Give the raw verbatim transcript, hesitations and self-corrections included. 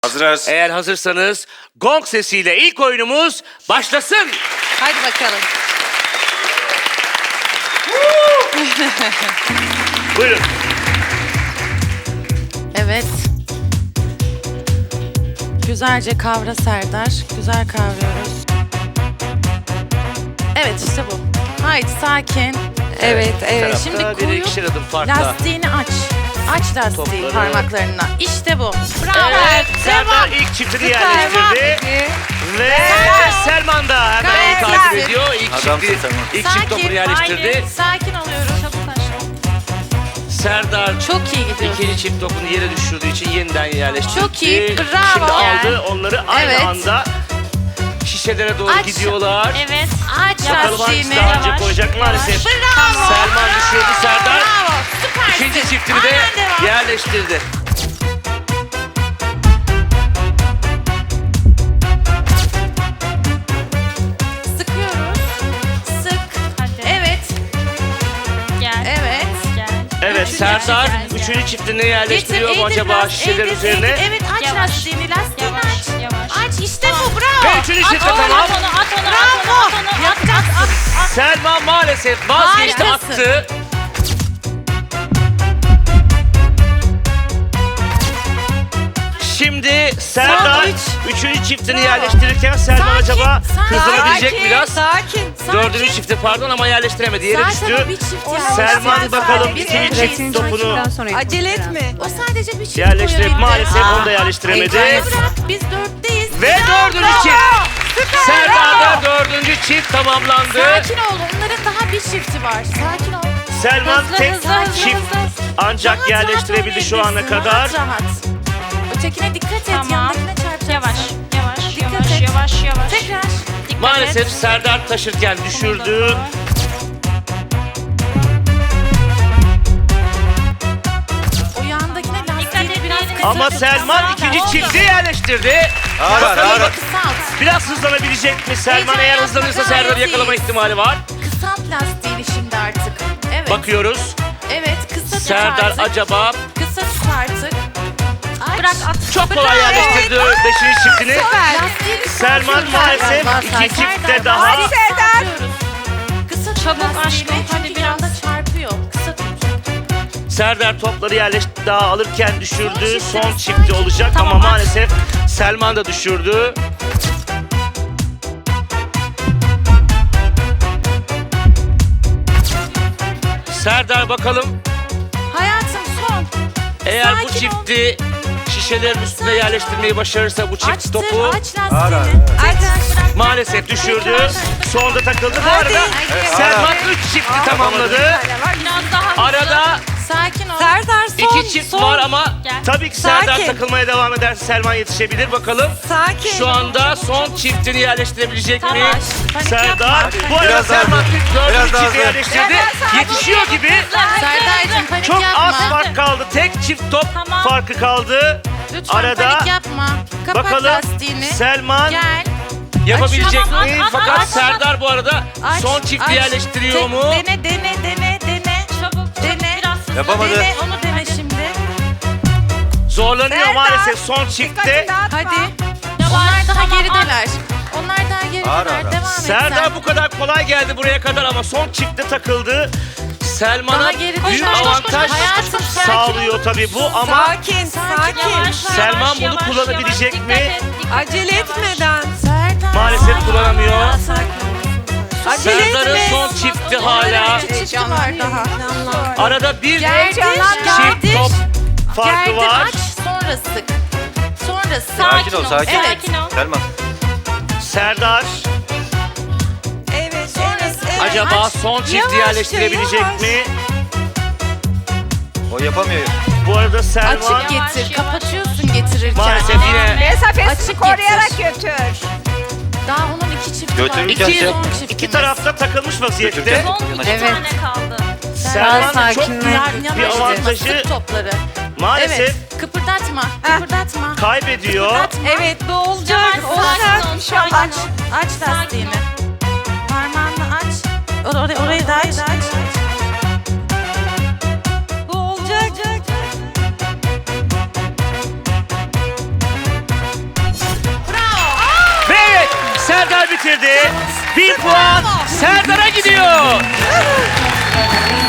Hazırız. Eğer hazırsanız gong sesiyle ilk oyunumuz başlasın. Hadi bakalım. Buyurun. Evet. Güzelce kavra Serdar. Güzel kavruyoruz. Evet işte bu. Haydi sakin. Evet, evet. Şimdi Tarafta biri koyup ikişer adım farkla. lastiğini aç. Aç lastiği Topları. parmaklarına. İşte bu. Bravo. Evet, Serdar Devam. ilk çiftini Süper. yerleştirdi. Ve Selman da hemen Gayet onu takip güzel. ediyor. İlk Adamsın çifti, Selman. ilk çift topunu Sakin, yerleştirdi. aynen. Sakin oluyoruz. Çabuk Serdar Çok iyi gidiyor. ikinci çift topunu yere düşürdüğü için yeniden yerleştirdi. Çok iyi, bravo. Şimdi aldı onları aynı Evet. anda şişelere doğru Aç. gidiyorlar. Evet. Aç Bakalım hangisi lastiğini. daha önce Yavaş, koyacak maalesef. Bravo. Selman düşürdü, Serdar Bravo. Süpersin. ikinci çiftini de Aynen devam. yerleştirdi. Sıkıyoruz. Sık. Hadi. Evet. Gel. Evet. Gel. Evet Üçüncü Serdar çift gel. üçüncü çiftini yerleştiriyor mu eğdir acaba biraz, şişelerin eğdir, üzerine? eğdir. Evet aç Yavaş. lastiğini. Lastiğini Yavaş, aç. yavaş. Aç işte bu bravo. Ve üçüncü çift de At onu, tamam. at onu, at onu, at Bravo. onu, at onu, at, Yapacağız. at, at, at. Selman maalesef vazgeçti, Harikasın. attı. Şimdi Serdar üç. üçüncü çiftini Bravo. yerleştirirken Selman Sakin, acaba sakin. hızlanabilecek mi Sakin, biraz? Sakin. Dördüncü çifti pardon ama yerleştiremedi. Yere Zaten düştü. o bir çift yani. Selman Sadece bakalım bir ikinci evet. çift topunu Acele etme. O sadece bir çift yerleştirip koyabildi. maalesef Aa, onu da yerleştiremedi. heyecanı bırak, biz dörtteyiz. Ve Bravo. dördüncü çift. Serdar'da dördüncü çift tamamlandı. Sakin ol. Onların daha bir çifti var. Sakin ol. Selman Hızlı, tek hızlı, hızlı, çift hızlı. ancak Rahat yerleştirebildi rahat şu ana oynayabilirsin, kadar. Rahat rahat. Ötekine dikkat et. Tamam. Yanındakine çarpacaksın. Yavaş, yavaş, Dikkat yavaş, et. yavaş, yavaş. Tekrar. Dikkat Maalesef et. Serdar taşırken düşürdü. O yandakine Dikkat lastiğini et, biraz diğerini kısa Ama tut. Selman Oldu. ikinci çifti yerleştirdi. Ağır ağır Bakalım ağır. Kısalt. biraz hızlanabilecek mi? Selman Heyecan eğer yapma, hızlanırsa gayet Serdar'ı yakalama iyiyiz. ihtimali var. Kısalt lastiğini şimdi artık. Evet. Bakıyoruz. Evet kısa tut Serdar artık. acaba Kısa tut artık. Aç. Bırak at. çok kolay Bravo. yerleştirdi beşinci çiftini. Lastiğini Selman sarkıyoruz. maalesef Serdar, iki Serdar, çiftte Serdar. daha. Hadi Serdar. Kısa tut Çabuk lastiğini, aşkım, hadi çünkü biraz. yanda çarpıyor. Kısa tut. Serdar topları yerleşti daha alırken düşürdü. Son Son çifti, çifti sakin. olacak Tamam, ama at. maalesef Selman da düşürdü. Serdar bakalım Hayatım son. eğer bu Sakin ol. çifti şişelerin üstüne yerleştirmeyi başarırsa bu çift Açtır, topu aç Ağır ağır. lastiğini. Aç. maalesef düşürdü. Sonda takıldı. Bu arada Evet. Selman üç çifti tamamladı. Biraz daha hızlı. Arada Sakin ol. Serdar son. iki çift son. var ama Gel. tabii ki Serdar Sakin. takılmaya devam ederse Selman yetişebilir. Bakalım Sakin. şu anda son çiftini yerleştirebilecek mi? Tamam. Panik Serdar. yapma. Bu arada Biraz daha Selman hızlı. dördüncü Biraz daha çifti hızlı. yerleştirdi. Yetişiyor gibi. Serdar'cığım panik Çok yapma. az fark kaldı. Tek çift top Tamam. farkı kaldı. Lütfen Arada panik yapma. Kapat bakalım lastiğini. Selman Gel. yapabilecek Tamam, mi? at, at, Fakat at, at. Serdar bu arada Aç, son çifti aç. yerleştiriyor Tek- mu? Dene, dene, dene, dene. Çabuk, Dene. biraz hızlı. Yapamadı. Dene, onu dene şimdi. Zorlanıyor Serdar, maalesef son çiftte. Hadi. Yavaş, Onlar daha tamam, gerideler. Onlar daha gerideler. Ağır, ağır. Devam et Serdar sen. bu kadar kolay geldi buraya kadar ama son çiftte takıldı. Selman'a Daha geride. büyük Koş, koş, koş, avantaj koş. Hayatım, sakin sağlıyor tabii bu ama Sakin, sakin. Yavaş, Selman yavaş, bunu yavaş, kullanabilecek yavaş. mi? Dikkat et, dikkat et, Acele yavaş. etmeden. Serdar. maalesef kullanamıyor. Acele Serdar'ın etme. son çifti hala. İki çifti var daha. Arada bir Gerdir, çift gerdir. top farkı Gerdir, var. aç, sonra sık. Sonra sık. Sakin ol, sakin. Evet. Sakin ol. Selman. Serdar Evet, Sonra evet, sık. evet. acaba aç. son çifti Yavaşça, yerleştirebilecek yavaş. mi? O yapamıyor. Bu arada Selman Açık Yavaş, getir. yavaş. Kapatıyorsun getirirken. maalesef yine Mesafesini Açık koruyarak getir. götür. Daha onun iki çifti Götürürken var. şey- Son çiftimiz. iki tarafta takılmış vaziyette. Götürürken- Son iki Evet. tane kaldı. Selman çok Yan- büyük bir yanaştırma, avantajı sık topları. maalesef Evet. Kıpırdatma. Kıpırdatma. kaybediyor. Kıpırdatma. Evet, bu olacak. Yavaş, Olacak. sakin ol, İnşallah. sakin Aç. ol. Aç Sakin lastiğini. ol. Parmağını aç. Or orayı, orayı da aç. Bu olacak. güzel bitirdi. Bir puan Serdar'a gidiyor.